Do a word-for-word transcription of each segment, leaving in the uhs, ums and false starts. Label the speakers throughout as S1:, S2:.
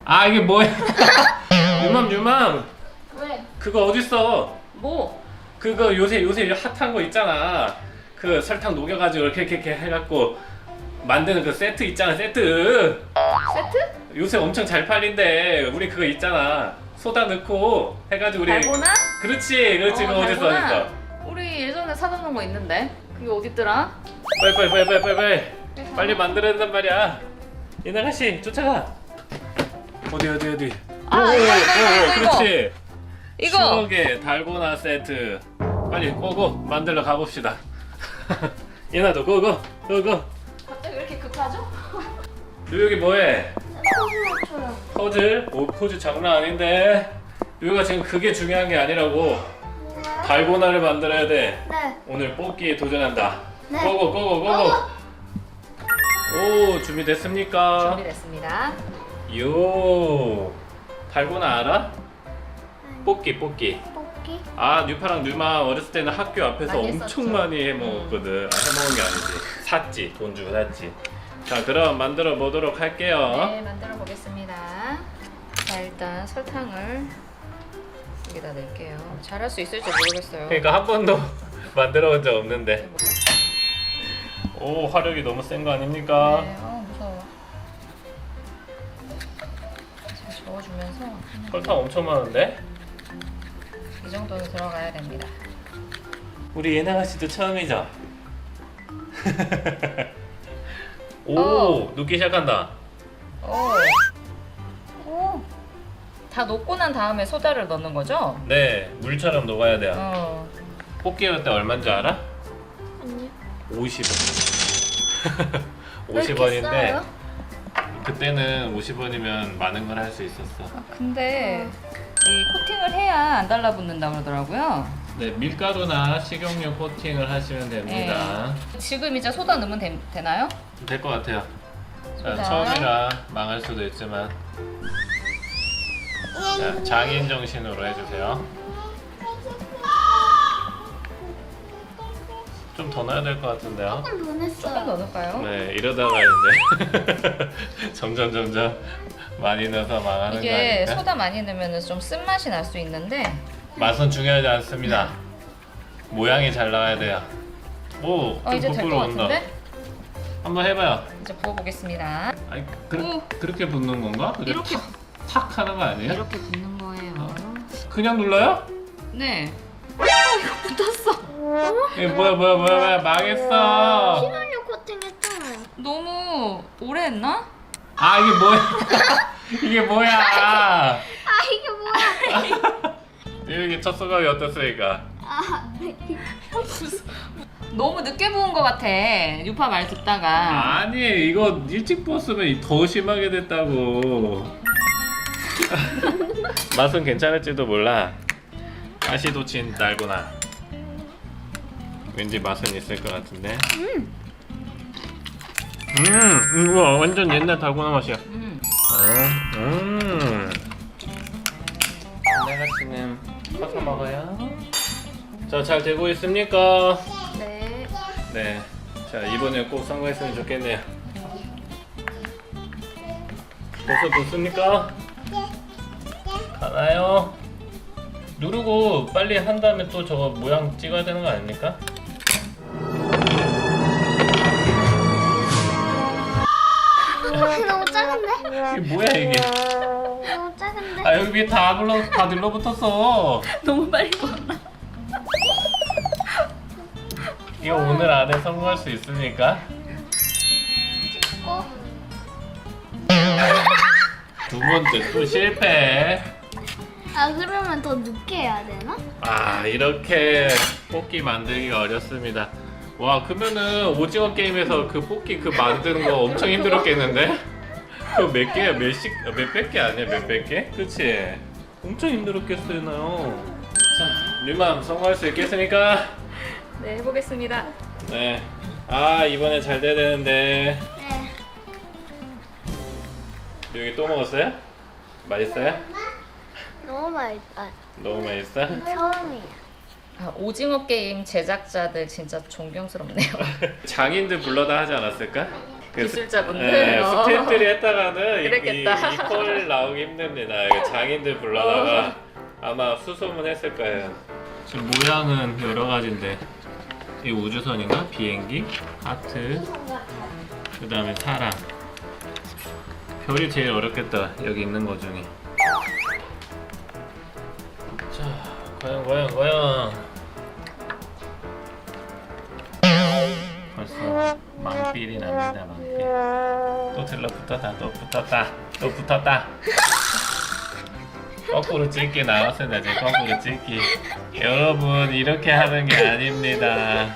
S1: 아 이게 뭐야? 유맘 유맘
S2: 왜?
S1: 그거 어딨어?
S2: 뭐?
S1: 그거 요새 요새 핫한 거 있잖아. 그 설탕 녹여가지고 이렇게 이렇게, 이렇게 해갖고 만드는 그 세트 있잖아. 세트
S2: 세트?
S1: 요새 엄청 잘 팔린대. 우리 그거 있잖아. 소다 넣고 해가지고 우리
S2: 달고나?
S1: 그렇지 그렇지
S2: 어,
S1: 그거 어딨어
S2: 달고나?
S1: 어딨어.
S2: 우리 예전에 사다 놓은 거 있는데 그게 어딨더라?
S1: 빨리 빨리 빨리 빨리 빨리 빨리 빨리 만들어야 된단 말이야. 이나가 씨 쫓아가. 어디 어디 어디.
S2: 아,
S1: 오,
S2: 이거, 이거,
S1: 오,
S2: 이거, 이거.
S1: 그렇지.
S2: 이거!
S1: 추억의 달고나 세트. 빨리 고고 만들러 가봅시다. 이나도 고고 고고.
S2: 갑자기 왜 이렇게 급하죠?
S1: 여기 뭐해?
S3: 퍼즐 맞춰요.
S1: 퍼즐? 오 퍼즐 장난 아닌데. 여기가 지금 그게 중요한 게 아니라고. 달고나를 만들어야 돼.
S3: 네.
S1: 오늘 뽑기에 도전한다.
S3: 네.
S1: 고고 고고 고고. 오 준비됐습니까?
S2: 준비됐습니다.
S1: 요 달고나 알아? 뽑기 뽑기.
S3: 뽑기.
S1: 아 뉴파랑 뉴마 어렸을 때는 학교 앞에서
S2: 많이
S1: 엄청
S2: 했었죠.
S1: 많이 해먹었거든. 아, 해먹은 게 아니지. 샀지. 돈 주고 샀지. 자 그럼 만들어 보도록 할게요.
S2: 네, 만들어 보겠습니다. 자, 일단 설탕을 여기다 넣을게요. 잘할 수 있을지 모르겠어요.
S1: 그러니까 한 번도 만들어 본 적 없는데. 오 화력이 너무 센 거 아닙니까?
S2: 네, 어 무서워. 잘 저어주면서 하는
S1: 설탕 엄청 많은데?
S2: 이 정도는 들어가야 됩니다.
S1: 우리 예나가 씨도 처음이죠? 오
S2: 어.
S1: 녹기 시작한다.
S2: 오, 오, 다 녹고 난 다음에 소다를 넣는 거죠?
S1: 네 물처럼 녹아야 돼요.
S2: 어,
S1: 뽑기 할 때 얼마인지 알아?
S3: 아니요.
S1: 오십 원.
S3: 왜
S1: 오십
S3: 이렇게
S1: 원인데
S3: 싸요?
S1: 그때는 오십 원이면 많은 걸 할 수 있었어.
S2: 아, 근데 여기 코팅을 해야 안 달라붙는다 그러더라고요.
S1: 네, 밀가루나 식용유 코팅을 하시면 됩니다.
S2: 네. 지금 이제 소다 넣으면 되, 되나요?
S1: 될 것 같아요. 자,
S2: 소다.
S1: 처음이라 망할 수도 있지만 자, 장인 정신으로 해주세요. 좀 더 넣어야 될 것 같은데요.
S3: 조금 더
S2: 조금
S3: 냈어요.
S2: 더 넣을까요?
S1: 네, 이러다가 이제 점점 점점 많이 넣어서 망하는
S2: 이게
S1: 거 아닐까?
S2: 소다 많이 넣으면 좀 쓴맛이 날 수 있는데
S1: 맛은 중요하지 않습니다. 모양이 잘 나와야 돼요. 오,
S2: 어,
S1: 좀
S2: 이제 될
S1: 부풀어
S2: 것
S1: 온다.
S2: 같은데?
S1: 한번 해봐요.
S2: 이제 부어보겠습니다.
S1: 아니, 그,
S2: 오.
S1: 그렇게 붓는 건가? 그게
S2: 이렇게
S1: 탁, 탁 하는 거 아니에요?
S2: 이렇게 붓는 거예요.
S1: 그냥 눌러요?
S2: 네. 어, 이거 붙었어.
S1: 이게 뭐야 뭐야 뭐야 뭐야 망했어.
S3: 신혼유 코팅 했잖아요.
S2: 너무 오래 했나?
S1: 아 이게 뭐야? 이게 뭐야?
S3: 아 이게 뭐야?
S1: 이렇게 첫 소감이 어떻습니까?
S3: 아 네.
S2: 너무 늦게 부은 것 같아. 유파 말 듣다가.
S1: 아니 이거 일찍 부었으면 더 심하게 됐다고. 맛은 괜찮을지도 몰라. 가시도친 달고나. 왠지 맛은 있을 것 같은데. 음, 음, 우와 완전 옛날 달고나 맛이야.
S2: 음.
S1: 어, 음. 내가씨는 커서 먹어요. 자, 잘 되고 있습니까?
S2: 네.
S1: 네. 자, 이번에 꼭 성공했으면 좋겠네요. 벌써 됐습니까? 가나요? 누르고 빨리 한 다음에 또 저거 모양 찍어야 되는 거 아닙니까?
S3: 너무 작은데?
S1: 이게 뭐야 이게?
S3: 너무 작은데?
S1: 아 여기 위에 다 눌러 다 눌러붙었어.
S2: 너무 빨리 부었나?
S1: 이거 오늘 안에 성공할 수 있습니까?
S3: 어?
S1: 두 번째 또 실패.
S3: 아 그러면 더 늦게 해야 되나?
S1: 아 이렇게 뽑기 만들기가 어렵습니다. 와 그러면은 오징어 게임에서 그 뽑기 그 만드는 거 엄청 힘들었겠는데? 그거 몇 개야? 몇십 몇백 개 아니야? 몇백 개? 그치? 엄청 힘들었겠어요. 자 뉴맘 성공할 수 있겠습니까?
S2: 네, 해보겠습니다.
S1: 네. 아 이번에 잘 돼야 되는데.
S3: 네.
S1: 여기 또 먹었어요? 맛있어요?
S3: 너무 맛있다.
S1: 너무 맛있어?
S3: 처음이야.
S2: 아, 오징어 게임 제작자들 진짜 존경스럽네요.
S1: 장인들 불러다 하지 않았을까? 그
S2: 기술자분들.
S1: 네,
S2: 어.
S1: 스태프들이 했다가는 이-
S2: 그랬겠다.
S1: 이, 이 콜 나오기 힘듭니다. 이거 장인들 불러다가 아마 수소문했을 거예요. 지금 모양은 여러 가지인데 이 우주선인가? 비행기? 하트, 그 다음에 사람. 별이 제일 어렵겠다. 여기 있는 거 중에. 자, 과연 과연 과연. 벌써 만필이 납니다. 만필. 또 들러붙었다. 또 붙었다. 또 붙었다. 거꾸로 찍기 나왔습니다. 지금 거꾸로 찍기. 여러분 이렇게 하는 게 아닙니다.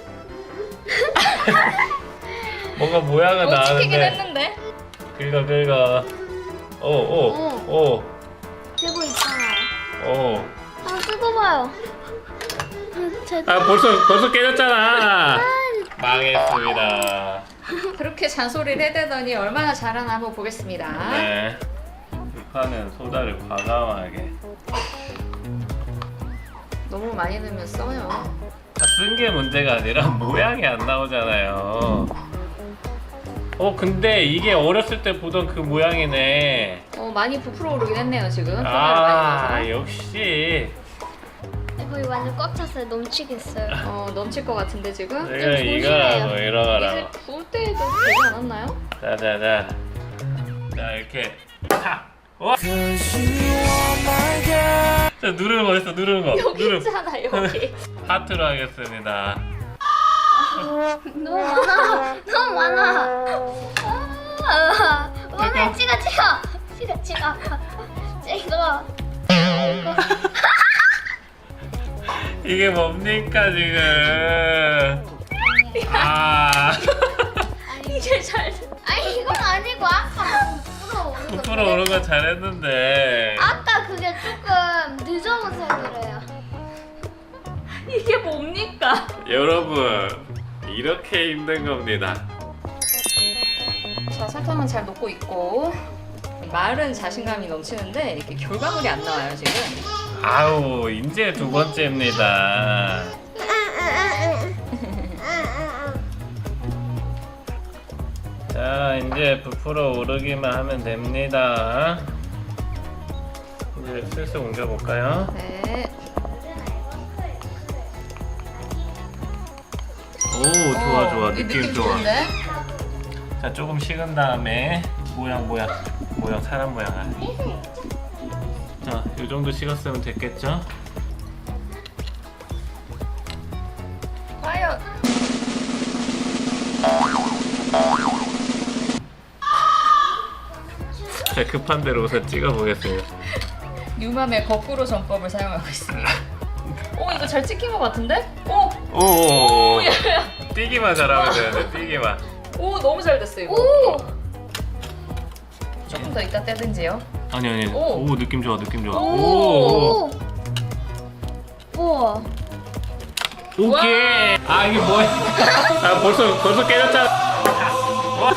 S1: 뭔가 모양은
S2: 어, 찍히긴
S1: 나왔는데.
S2: 했는데.
S1: 긁어 긁어. 오오오
S3: 들고 있잖아요.
S1: 오.
S3: 아, 뜯어봐요. 제
S1: 아 벌써 벌써 깨졌잖아. 망했습니다.
S2: 그렇게 잔소리를 해대더니 얼마나 잘하나 한번 보겠습니다.
S1: 네. 불판은 소다를 과감하게.
S2: 너무 많이 넣으면 써요.
S1: 쓴 게 문제가 아니라 모양이 안 나오잖아요. 어 근데 이게 어렸을 때 보던 그 모양이네.
S2: 어, 많이 부풀어 오르긴 했네요 지금. 아,
S1: 아
S2: 많이 넣어서.
S1: 역시
S3: 거의 완전 꽉 찼어요. 넘치겠어요.
S2: 어, 넘칠 것 같은데 지금.
S1: 내가 이거라고
S2: 이제
S1: 이러라고.
S2: 구울 때도 되지 않았나요?
S1: 자자자. 자 이렇게 탁. 와. 자 누르는 거 있어 누르는 거.
S2: 여기
S1: 누르.
S2: 있잖아 여기.
S1: 하트로 하겠습니다.
S3: 너무 많아. 너무 많아. 아, 오늘 찍어 찍어. 찍어 찍어. 찍어.
S1: 이게 뭡니까 지금? 아.
S2: 이제 잘.
S3: 아니 이건 아니고 아까 부풀어 오는 거.
S1: 부풀어 오른 건 잘했는데.
S3: 아까 그게 조금 늦어서 그래요.
S2: 이게 뭡니까?
S1: 여러분 이렇게 힘든 겁니다.
S2: 자, 설탕은 잘 녹고 있고 말은 자신감이 넘치는데 이렇게 결과물이 안 나와요 지금.
S1: 아우 이제 두 번째입니다. 자 이제 부풀어 오르기만 하면 됩니다. 이제 슬슬 옮겨볼까요?
S2: 네.
S1: 오 좋아 좋아
S2: 어, 이
S1: 느낌, 좋아.
S2: 좋은데?
S1: 자 조금 식은 다음에 모양 모양 모양 사람 모양 안. 자, 이 정도 식었으면 됐겠죠?
S2: 과연.
S1: 자 급한 대로 우선 찍어 보겠습니다.
S2: 뉴맘의 거꾸로 전법을 사용하고 있습니다. 오 이거 잘 찍힌 것 같은데? 오!
S1: 오,
S2: 야, 야.
S1: 뛰기만 잘하면 되는데 뛰기만.
S2: 오 너무 잘 됐어 이거.
S3: 오.
S2: 조금 더 이따 떼든지요.
S1: 아니 아니.
S2: 오.
S1: 오, 느낌 좋아 느낌 좋아.
S2: 오.
S3: 오. 우와.
S1: 오케이. 아 이게 뭐야? 아 벌써 벌써 깨졌잖아. 와.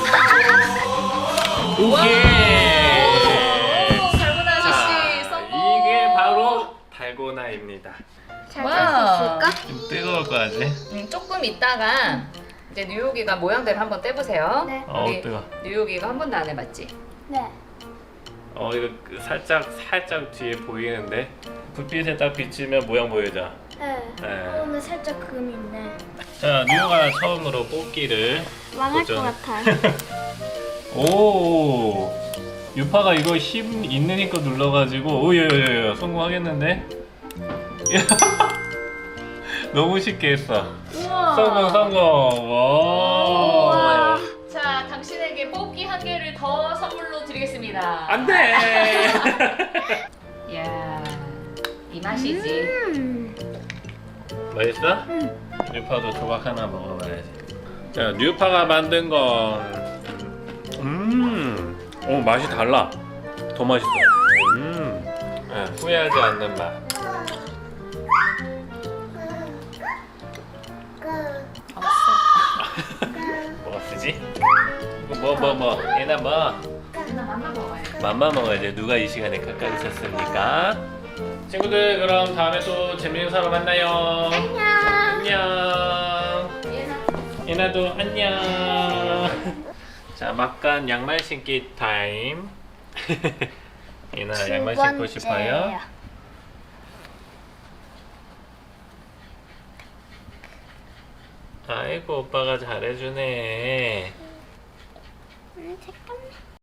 S1: 오케이.
S2: 오 달고나
S1: 자,
S2: 아저씨 성공.
S1: 이게 바로 달고나입니다.
S3: 잘
S2: 와우.
S3: 짤 수 있을까?
S1: 좀 뜨거울 거 같지?
S2: 음, 조금 있다가 이제 뉴욕이가 모양대로 한번 떼보세요.
S3: 네.
S1: 어
S2: 우리
S1: 뜨거.
S2: 뉴욕이가 한 번도 안 해봤지?
S3: 네.
S1: 어 이거 그 살짝 살짝 뒤에 보이는데 불빛에 딱 비치면 모양 보이죠?
S3: 네.
S1: 네.
S3: 어, 오늘 살짝 금 있네.
S1: 자 뉴가 처음으로 뽑기를
S3: 망할
S1: 도전.
S3: 것 같아요.
S1: 오 유파가 이거 힘 있는 힘껏 눌러가지고 오예예예 성공하겠는데? 너무 쉽게 했어.
S2: 우와.
S1: 성공 성공. 와.
S2: 우와. 자 당신에게 뽑기 한 개를 더 선물로 드리겠습니다.
S1: 안돼.
S2: 이야 이 맛이지.
S3: 음.
S1: 맛있어?
S3: 응.
S1: 뉴파도 조각 하나 먹어봐야지. 자, 뉴파가 만든 건, 음, 오 맛이 달라. 더 맛있어. 음, 네, 후회하지 않는 맛. 뭐가 쓰지? 이거 뭐 뭐 뭐? 얘나 뭐?
S2: 누나 맘마 먹어요.
S1: 맘마 먹어야지. 누가 이 시간에 가까이 있었습니까? 친구들 그럼 다음에 또 재밌는 사람 만나요.
S3: 안녕.
S1: 안녕.
S2: 얘나.
S1: 예나도 안녕. 자, 막간 양말 신기 타임. 이나
S3: 두
S1: 양말 신고
S3: 번째요.
S1: 싶어요? 아이고, 오빠가 잘해주네.
S3: 음, 잠깐만.